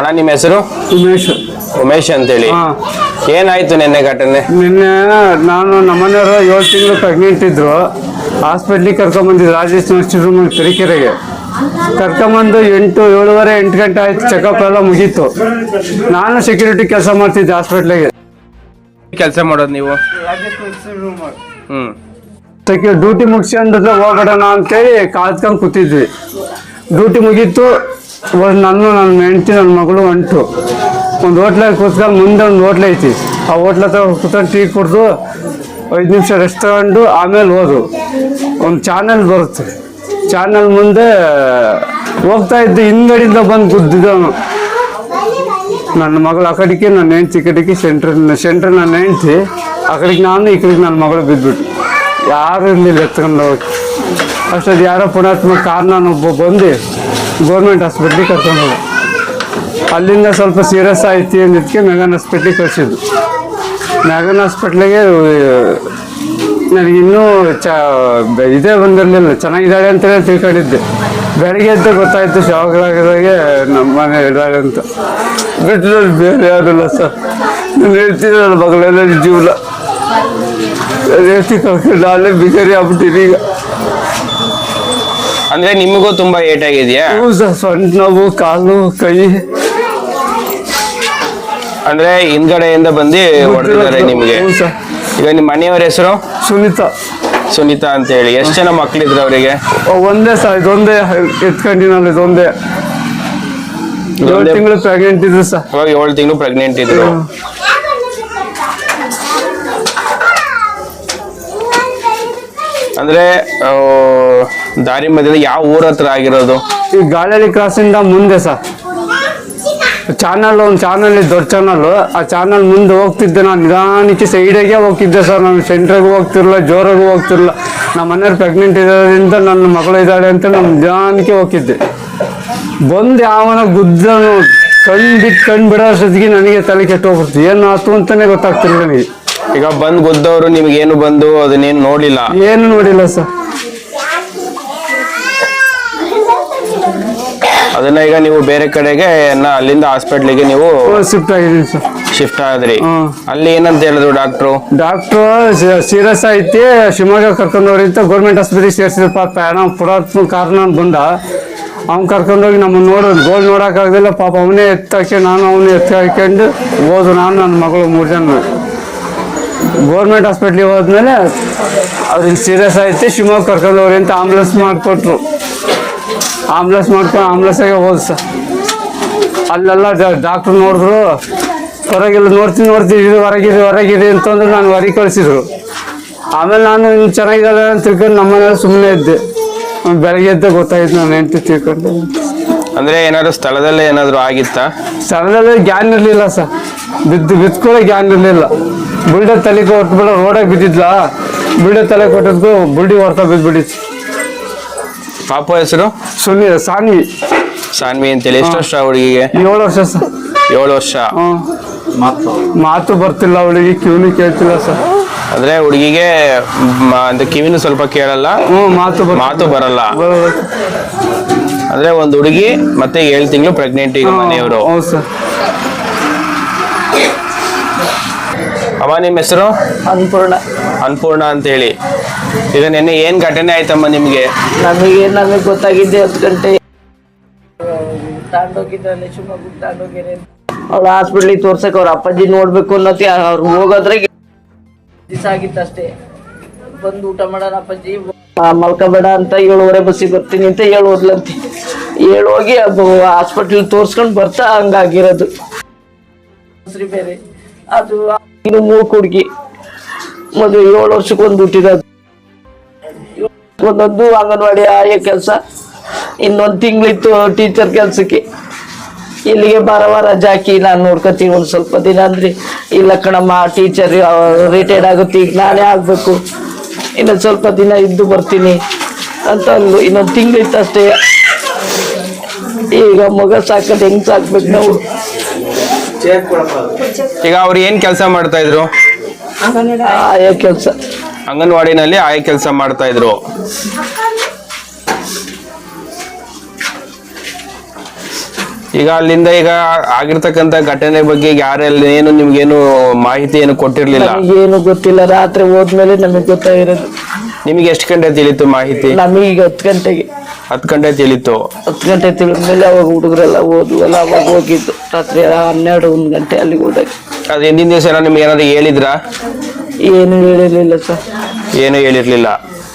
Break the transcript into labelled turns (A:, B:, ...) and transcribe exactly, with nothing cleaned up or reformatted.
A: ಅಣ್ಣ ನಿಮ್ಮ ಹೆಸರು?
B: ಉಮೇಶ್.
A: ಉಮೇಶ್ ಅಂತೇಳಿ. ಏನಾಯ್ತು ನಿನ್ನೆ ಘಟನೆ?
B: ನಿನ್ನೆ ನಾನು ನಮ್ಮನೆಯವರು ಏಳು ತಿಂಗಳು ಪ್ರೆಗ್ನೆಂಟ್ ಇದ್ರು. ಹಾಸ್ಪಿಟ್ಲಿಗೆ ಕರ್ಕೊಂಬಂದಿದ್ದು ರಾಜೇಶ್ ನರ್ಸಿಂಗ್ ರೂಮ್ ತರೀಕೆರೆಗೆ ಕರ್ಕೊಂಬಂದು ಎಂಟು ಏಳುವರೆ ಎಂಟು ಗಂಟೆ ಆಯ್ತು. ಚೆಕಪ್ ಎಲ್ಲ ಮುಗೀತು. ನಾನು ಸೆಕ್ಯೂರಿಟಿ ಕೆಲಸ ಮಾಡ್ತಿದ್ದೆ ಹಾಸ್ಪಿಟ್ಲಿಗೆ.
A: ಕೆಲಸ ಮಾಡೋದು ನೀವು? ಹ್ಮ್
B: ಸೆಕ್ಯೂ ಡ್ಯೂಟಿ ಮುಗಿಸ್ಕೊಂಡ್ರೆ ಹೋಗ್ಬಿಡೋಣ ಅಂತೇಳಿ ಕಾದ್ಕೊಂಡು ಕೂತಿದ್ವಿ. ಡ್ಯೂಟಿ ಮುಗೀತು. ನಾನು ನನ್ನ ಹೆಂಡತಿ ನನ್ನ ಮಗಳು ಹೊಂಟು ಒಂದು ಹೋಟ್ಲಾಗ ಕೂತ್ಕೊಂಡು ಮುಂದೆ ಒಂದು ಹೋಟ್ಲ್ ಐತಿ. ಆ ಹೋಟ್ಲ ಹತ್ರ ಕೂತ್ಕೊಂಡು ಟೀ ಕುಡಿದು ಐದು ನಿಮಿಷ ರೆಸ್ಟ್ ತಗೊಂಡು ಆಮೇಲೆ ಹೋದು. ಒಂದು ಚಾನಲ್ ಬರುತ್ತೆ. ಚಾನಲ್ ಮುಂದೆ ಹೋಗ್ತಾ ಇದ್ದು ಹಿಂಗಡಿಂದ ಬಂದು ಗುದ್ದಿದ್ದವನು. ನನ್ನ ಮಗಳು ಆ ಕಡೆಗೆ, ನನ್ನ ಹೆಂಡ್ತಿ ಈ ಕಡೆಗೆ, ಸೆಂಟ್ರ್ ಸೆಂಟ್ರ್ ನನ್ನ ಹೆಂಡ್ತಿ ಆ ಕಡೆಗೆ, ನಾನು ಈ ಕಡೆಗೆ ನನ್ನ ಮಗಳು ಬಿದ್ದುಬಿಟ್ಟು ಯಾರು ಇರಲಿಲ್ಲ ಎತ್ಕೊಂಡು ಹೋಗಿ. ಅಷ್ಟೊಂದು ಯಾರೋ ಪುಣಾತ್ಮ ಕಾರಣನೊಬ್ಬ ಬಂದು ಗೌರ್ಮೆಂಟ್ ಹಾಸ್ಪಿಟ್ಲಿಗೆ ಕರ್ಕೊಂಡು ಹೋದ. ಅಲ್ಲಿಂದ ಸ್ವಲ್ಪ ಸೀರಿಯಸ್ ಆಯ್ತು ಅಂದಿದ್ದಕ್ಕೆ ಮೆಗನ್ ಹಾಸ್ಪಿಟ್ಲಿಗೆ ಕಳಿಸಿದ್ದು. ಮೆಗನ್ ಹಾಸ್ಪಿಟ್ಲಿಗೆ ನನಗಿನ್ನೂ ಚ ಇದೇ ಬಂದಿರಲಿಲ್ಲ, ಚೆನ್ನಾಗಿದ್ದಾಳೆ ಅಂತಲೇ ತಿಳ್ಕೊಂಡಿದ್ದೆ. ಬೆಳಗ್ಗೆ ಎದ್ದು ಗೊತ್ತಾಯಿತು ಶಾವಗಳಾಗಿದ್ದಾಗೆ ನಮ್ಮ ಮನೆ ಇದ್ದಾಳೆ ಅಂತ. ಬಿಟ್ಟರಲ್ಲಿ ಬೇರೆ ಯಾರಿಲ್ಲ ಸರ್. ನಾನು ಹೇಳ್ತೀನಿ ನನ್ನ ಮಗಳೆಲ್ಲ ಜೀವನ ಹೇಳ್ತಿ ಕಳ್ಕೊಂಡು ಅಲ್ಲೇ ಬಿಕಾರಿ ಆಗ್ಬಿಟ್ಟಿರಿ ಈಗ.
A: ಅಂದ್ರೆ ನಿಮಗೂ ತುಂಬಾ ಏಟ್ ಆಗಿದೆಯಾ?
B: ಹ್ಞೂ ಸರ್, ಸೊಂಟ ನೋವು, ಕಾಲು, ಕೈ.
A: ಅಂದ್ರೆ ಹಿಂದ್ಗಡೆಯಿಂದ ಬಂದು ಹೊಡೆದಿದ್ದಾರೆ ನಿಮ್ಗೆ?
B: ಹ್ಞೂ ಸರ್.
A: ಈಗ ನಿಮ್ಮ ಮನೆಯವರ ಹೆಸರು?
B: ಸುನೀತಾ.
A: ಸುನೀತಾ ಅಂತ ಹೇಳಿ. ಎಷ್ಟು ಜನ ಮಕ್ಳಿದ್ರು ಅವರಿಗೆ?
B: ಒಂದೇ ಸರ್, ಇದೊಂದೇ ಎತ್ಕೊಂಡಿನಲ್ಲ, ಇದೊಂದೇ. ಏಳು ತಿಂಗಳು ಪ್ರೆಗ್ನೆಂಟ್ ಇದ್ರು ಸರ್.
A: ಇವಾಗ ಏಳು ತಿಂಗಳು ಪ್ರೆಗ್ನೆಂಟ್ ಇದ್ರು. ಅಂದ್ರೆ ದಾರಿ ಮಧ್ಯದಲ್ಲಿ ಯಾವ ಊರ ಹತ್ರ ಆಗಿರೋದು?
B: ಈ ಗಾಳಿಹಳ್ಳಿ ಕ್ರಾಸಿಂದ ಮುಂದೆ ಸರ್. ಚಾನಲ್ ಒಂದು ಚಾನಲ್ ದೊಡ್ಡ ಚಾನಲ್. ಆ ಚಾನಲ್ ಮುಂದೆ ಹೋಗ್ತಿದ್ದೆ ನಾನು. ನಿಧಾನಕ್ಕೆ ಸೈಡಿಗೆ ಹೋಗ್ತಿದ್ದೆ ಸರ್. ನಾನು ಸೆಂಟ್ರಿಗೆ ಹೋಗ್ತಿರಲಿಲ್ಲ, ಜೋರಾಗೂ ಹೋಗ್ತಿರಲಿಲ್ಲ. ನಮ್ಮ ಮನೆಯವ್ರು ಪ್ರೆಗ್ನೆಂಟ್ ಇರೋದ್ರಿಂದ ನನ್ನ ಮಗಳು ಇದ್ದಾಳೆ ಅಂತ ನಾನು ನಿಧಾನಕ್ಕೆ ಹೋಗ್ತಿದ್ದೆ. ಬಂದು ಯಾವನ ಗುದ್ದನು ಕಣ್ಣು ಬಿಟ್ಟು ಕಣ್ಣು ಬಿಡೋ ಅಷ್ಟೊತ್ತಿಗೆ ನನಗೆ ತಲೆ ಕೆಟ್ಟು ಹೋಗ್ಬಿಡ್ತು. ಏನು ಆಯ್ತು ಅಂತಲೇ ಗೊತ್ತಾಗ್ತಿರಲಿಲ್ಲ ನನಗೆ.
A: ಈಗ ಬಂದು ಗುದ್ದವರು ನಿಮ್ಗೇನು ಬಂದು ಅದನ್ನೇನು ನೋಡಿಲ್ಲ?
B: ಏನು ನೋಡಿಲ್ಲ ಸರ್.
A: ಅದನ್ನ ಈಗ ನೀವು ಬೇರೆ ಕಡೆಗೆ ಅಲ್ಲಿಂದ ಹಾಸ್ಪಿಟ್ಲಿಗೆ ನೀವು
B: ಶಿಫ್ಟ್ ಆಗಿದ್ದೀನಿ ಸರ್.
A: ಶಿಫ್ಟ್ ಆದ್ರಿ? ಅಲ್ಲಿ ಏನಂತ ಹೇಳಿದ್ರು ಡಾಕ್ಟ್ರು?
B: ಡಾಕ್ಟ್ರು ಸೀರಿಯಸ್ ಐತಿ, ಶಿವಮೊಗ್ಗ ಕರ್ಕೊಂಡವ್ರಿ ಅಂತ ಗೌರ್ಮೆಂಟ್ ಆಸ್ಪತ್ರೆಗೆ ಸೇರಿಸಿದ್ರು. ಪಾಪ ನಾವು ಪುರಾತ್ಮ ಕಾರಣ ಬಂದ. ಅವ್ನು ಕರ್ಕೊಂಡೋಗಿ ನಮ್ಮನ್ನು ನೋಡೋದು ಗೋಲ್ ನೋಡೋಕ್ಕಾಗಲಿಲ್ಲ. ಪಾಪ ಅವನೇ ಎತ್ತಾಕಿ ನಾನು ಅವನೇ ಎತ್ತಿ ಹಾಕೊಂಡು ಹೋದು. ನಾನು ನನ್ನ ಮಗಳು ಮೂರು ಜನ ಗೌರ್ಮೆಂಟ್ ಹಾಸ್ಪಿಟ್ಲಿಗೆ ಹೋದ್ಮೇಲೆ ಅವ್ರಿಗೆ ಸೀರಿಯಸ್ ಐತಿ, ಶಿವಮೊಗ್ಗ ಕರ್ಕೊಂಡವ್ರಿ ಅಂತ ಆಂಬುಲೆನ್ಸ್ ಮಾಡಿಕೊಟ್ರು. ಆಂಬುಲೆನ್ಸ್ ಮಾಡ್ಕೊಂಡು ಆಂಬುಲೆನ್ಸಾಗೆ ಹೋದ್ ಸರ್. ಅಲ್ಲೆಲ್ಲ ಡಾಕ್ಟ್ರು ನೋಡಿದ್ರು. ಹೊರಗೆಲ್ಲ ನೋಡ್ತೀನಿ ನೋಡ್ತೀನಿ ಇದು ಹೊರಗಿದೆ ಹೊರಗಿದೆ ಅಂತಂದ್ರೆ ನಾನು ಹೊರಗೆ ಕಳಿಸಿದ್ರು. ಆಮೇಲೆ ನಾನು ಇನ್ನು ಚೆನ್ನಾಗಿದ್ದಾಳೆ ಅಂತ ತಿಳ್ಕೊಂಡು ನಮ್ಮ ಮನೇಲಿ ಸುಮ್ಮನೆ ಇದ್ದೆ. ಬೆಳಗ್ಗೆ ಎದ್ದೆ ಗೊತ್ತಾಯ್ತು ನಾನು ಹೆಂಡತಿ ತಿಳ್ಕೊಂಡು.
A: ಅಂದ್ರೆ ಏನಾದ್ರು ಸ್ಥಳದಲ್ಲೇ ಏನಾದ್ರು ಆಗಿತ್ತಾ?
B: ಸ್ಥಳದಲ್ಲೇ ಗ್ಯಾನ್ ಇರಲಿಲ್ಲ ಸರ್. ಬಿದ್ದು ಬಿತ್ಕೊಳ್ಳೋ ಗ್ಯಾನ್ ಇರಲಿಲ್ಲ. ಬುಲ್ಡೆ ತಲೆ ಕೊಟ್ಬಿಡ ರೋಡಾಗಿ ಬಿದ್ದಿದ್ಲ. ಬುಲ್ಡೆ ತಲೆ ಕೊಟ್ಟಿದ್ಕು ಬುಲ್ಡಿ ಹೊರ್ತಾ ಬಿದ್ದುಬಿಟ್ಟಿತ್ತು.
A: ಪಾಪ ಹೆಸರು?
B: ಸುನಿ ಸಾನ್ವಿ.
A: ಸಾನ್ವಿ ಅಂತೇಳಿ. ಎಷ್ಟು ವರ್ಷ ಹುಡುಗಿಗೆ?
B: ಏಳು ವರ್ಷ ಸರ್.
A: ಏಳು ವರ್ಷ.
B: ಮಾತು ಮಾತು ಬರ್ತಿಲ್ಲ ಅವಳಿಗೆ, ಕಿವಿನೂ ಕೇಳ್ತಿಲ್ಲ ಸರ್.
A: ಅಂದ್ರೆ ಹುಡುಗಿಗೆ ಕಿವಿನೂ ಸ್ವಲ್ಪ ಕೇಳಲ್ಲ,
B: ಮಾತು
A: ಮಾತು ಬರಲ್ಲ. ಅಂದ್ರೆ ಒಂದು ಹುಡುಗಿ ಮತ್ತೆ ಏಳು ತಿಂಗಳು ಪ್ರೆಗ್ನೆಂಟ್ ಈಗ ಮನೆಯವರು.
B: ಹೌದು ಸರ್.
A: ಅಮ್ಮ ನಿಮ್ಮ ಹೆಸರು?
C: ಅನ್ಪೂರ್ಣ.
A: ಅನ್ಪೂರ್ಣ ಅಂತ ಹೇಳಿ. ಈಗ ನಿನ್ನೆ ಏನ್ ಘಟನೆ ಆಯ್ತಮ್ಮ ನಿಮ್ಗೆ?
C: ನಮಗೆ ನಮಗೆ ಗೊತ್ತಾಗಿದ್ದೆ ಹತ್ತು ಗಂಟೆ ತಾಂಡೋಗಿದ್ರಲ್ಲಿ ಶಿವಮೊಗ್ಗ ತಾಂಡೋಗಿರಿ. ಅವಳು ಹಾಸ್ಪಿಟ್ಲಿಗೆ ತೋರ್ಸಕ್ಕೆ ಅವ್ರ ಅಪ್ಪಾಜಿ ನೋಡ್ಬೇಕು ಅನ್ನೋತಿ ಅವ್ರು ಹೋಗೋದ್ರೆ ದಿವಸ ಆಗಿತ್ತಷ್ಟೇ. ಬಂದು ಊಟ ಮಾಡೋಣ ಅಪ್ಪಾಜಿ ಮಲ್ಕೋಬೇಡ ಅಂತ ಏಳುವರೆ ಬಸ್ಸಿಗೆ ಬರ್ತೀನಿ ಅಂತ ಹೇಳಿ ಹೋದ್ಲಂತೆ. ಹೇಳಿ ಹೋಗಿ ಹಾಸ್ಪಿಟ್ಲ್ ತೋರ್ಸ್ಕೊಂಡು ಬರ್ತಾ ಹಂಗಾಗಿರೋದು. ಬೇರೆ ಅದು ಇನ್ನು ಮೂರು ಹುಡುಗಿ ಮದುವೆ ಏಳು ವರ್ಷಕ್ಕೆ ಒಂದು ಹುಟ್ಟಿರೋದು. ಒಂದೊಂದು ಅಂಗನವಾಡಿ ಆಯಾ ಕೆಲಸ, ಇನ್ನೊಂದು ತಿಂಗಳಿತ್ತು ಟೀಚರ್ ಕೆಲಸಕ್ಕೆ. ಇಲ್ಲಿಗೆ ಬಾರ ವಾರ ರಜೆ ಹಾಕಿ ನಾನು ನೋಡ್ಕೊತೀನಿ ಒಂದು ಸ್ವಲ್ಪ ದಿನ. ಅಂದ್ರೆ ಇಲ್ಲ ಕಣಮ್ಮ ಟೀಚರ್ ರಿಟೈರ್ಡ್ ಆಗುತ್ತೆ, ಈಗ ನಾನೇ ಆಗ್ಬೇಕು, ಇನ್ನೊಂದು ಸ್ವಲ್ಪ ದಿನ ಇದ್ದು ಬರ್ತೀನಿ ಅಂತ ಅಂದು. ಇನ್ನೊಂದು ತಿಂಗಳಿತ್ತು ಅಷ್ಟೇ. ಈಗ ಮಗ ಸಾಕೋದು ಹೆಂಗ್ ಸಾಕ್ಬೇಕು ನಾವು?
A: ಈಗ ಅವ್ರು ಏನ್ ಕೆಲಸ ಮಾಡ್ತಾ ಇದ್ರು?
C: ಆಯಾ ಕೆಲಸ,
A: ಅಂಗನವಾಡಿನಲ್ಲಿ ಆಯಾ ಕೆಲಸ ಮಾಡ್ತಾ ಇದ್ರು. ಈಗ ಅಲ್ಲಿಂದ ಈಗ ಆಗಿರ್ತಕ್ಕಂತ ಘಟನೆ ಬಗ್ಗೆ ಯಾರೆಲ್ಲ ಏನು ನಿಮ್ಗೇನು ಮಾಹಿತಿ ಏನು ಕೊಟ್ಟಿರ್ಲಿಲ್ಲ?
C: ನಮಗೇನು ಗೊತ್ತಿಲ್ಲ, ರಾತ್ರಿ ಹೋದ್ಮೇಲೆ ನಮಗೆ ಗೊತ್ತಾಗಿರೋದು.
A: ನಿಮಗೆ ಎಷ್ಟು ಗಂಟೆ ತಿಳಿತು ಮಾಹಿತಿ?
C: ನಮಗೆ ಈಗ ಹತ್ತು ಗಂಟೆಗೆ
A: ಹತ್ತು ಗಂಟೆ ತಿಳಿತು.
C: ಹತ್ತು ಗಂಟೆ ತಿಳಿದ್ಮೇಲೆ ಅವಾಗ ಹುಡುಗರೆಲ್ಲ ಹೋದ್ವಲ್ಲ, ಅವಾಗ ಹೋಗಿದ್ದು ರಾತ್ರಿ ಹನ್ನೆರಡು ಒಂದು ಗಂಟೆ ಅಲ್ಲಿಗೆ ಹೋದಾಗ.
A: ಅದ್ ಹಿಂದಿನ ದಿವಸ ಎಲ್ಲ ನಿಮ್ಗೆ ಏನಾದ್ರು ಹೇಳಿದ್ರಾ?
C: ಏನು ಹೇಳಿರ್ಲಿಲ್ಲ ಸರ್.
A: ಏನು ಹೇಳಿರ್ಲಿಲ್ಲ.